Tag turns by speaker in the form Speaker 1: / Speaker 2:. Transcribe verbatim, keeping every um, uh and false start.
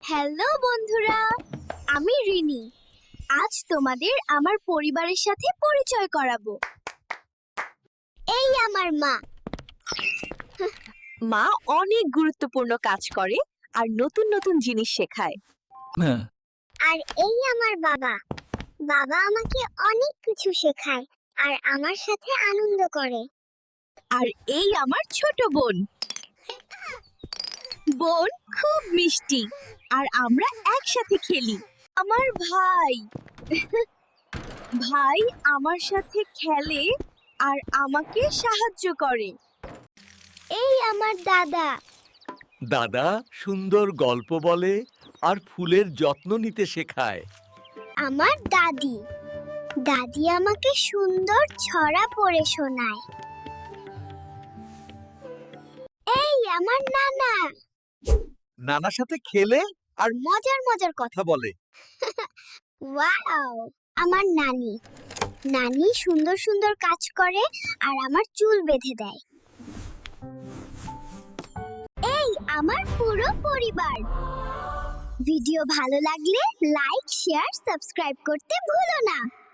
Speaker 1: Hello বন্ধুরা, আমি রিনি। আজ তোমাদের আমার পরিবারের সাথে পরিচয় করাবো। এই আমার মা।
Speaker 2: মা অনেক গুরুত্বপূর্ণ কাজ করে আর নতুন নতুন জিনিস শেখায়।
Speaker 1: আর এই আমার বাবা। বাবা আমাকে অনেক কিছু শেখায় আর আমার সাথে আনন্দ করে।
Speaker 2: আর এই আমার ছোট বোন। বোন খুব মিষ্টি আর আমরা একসাথে খেলি। আমার ভাই ভাই আমার সাথে খেলে আর আমাকে সাহায্য করে।
Speaker 1: এই আমার দাদা।
Speaker 3: দাদা সুন্দর গল্প বলে আর ফুলের যত্ন নিতে শেখায়।
Speaker 1: আমার দাদি। দাদি আমাকে সুন্দর ছড়া পড়ে শোনায়। এই আমার নানা।
Speaker 3: নানার সাথে খেলে আর
Speaker 1: মজার মজার কথা
Speaker 3: কথা বলে।
Speaker 1: ওয়াও! আমার নানি। নানি সুন্দর সুন্দর কাজ করে আর আমার চুল বেঁধে দেয়। এই আমার পুরো পরিবার। ভিডিও ভালো লাগলে লাইক, শেয়ার, সাবস্ক্রাইব করতে ভুলো না।